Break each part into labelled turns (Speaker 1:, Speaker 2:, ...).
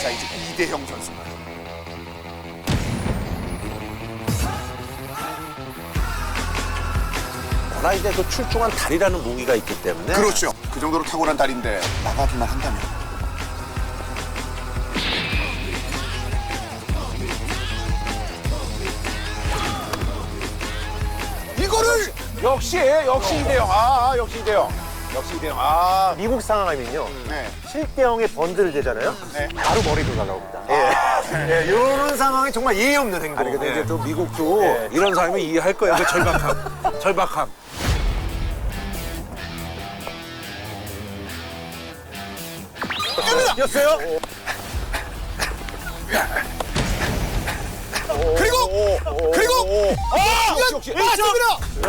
Speaker 1: 사이즈 이대형 선수입니다.
Speaker 2: 워낙 이제 그 출중한 다리라는 무기가 있기 때문에.
Speaker 1: 그렇죠. 그 정도로 탁월한 다리인데 나가기만 한다면. 이거를
Speaker 2: 역시 이대형. 역시 이대형. 역시 이대형.
Speaker 3: 미국 상황이면요.
Speaker 1: 네.
Speaker 3: 7대0의 번드를 대잖아요.
Speaker 1: 네.
Speaker 3: 바로 머리로 날아옵니다. 예. 이런 상황이 정말 예의 없는 행동.
Speaker 2: 아니 근데
Speaker 3: 예.
Speaker 2: 이제 또 미국도 이런 사람이 이해할 거예요. 그 절박함. 절박함.
Speaker 3: 였어요?
Speaker 1: 그리고
Speaker 2: 역시.
Speaker 1: 맞습니다.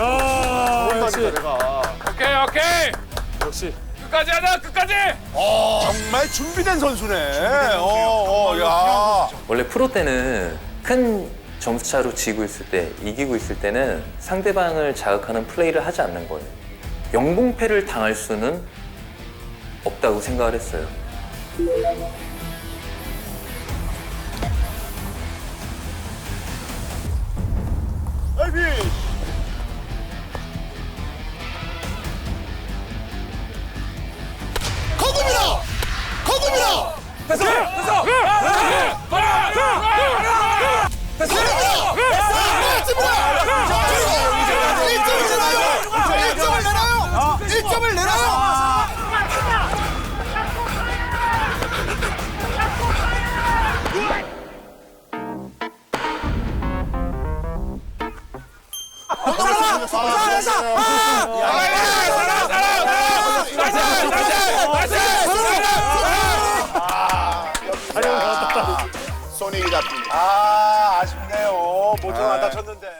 Speaker 4: 오케이. 역시. 끝까지 하자, 끝까지!
Speaker 2: 정말 준비된 선수네. 야.
Speaker 5: 원래 프로 때는 큰 점수차로 지고 있을 때, 이기고 있을 때는 상대방을 자극하는 플레이를 하지 않는 거예요. 영봉패를 당할 수는 없다고 생각을 했어요.
Speaker 1: 거듭니다.
Speaker 4: 됐어!
Speaker 1: 맞습니다. 1점을 내놔요. 손이 잡힙니다.
Speaker 2: 아쉽네요. 모처럼 안 다쳤는데.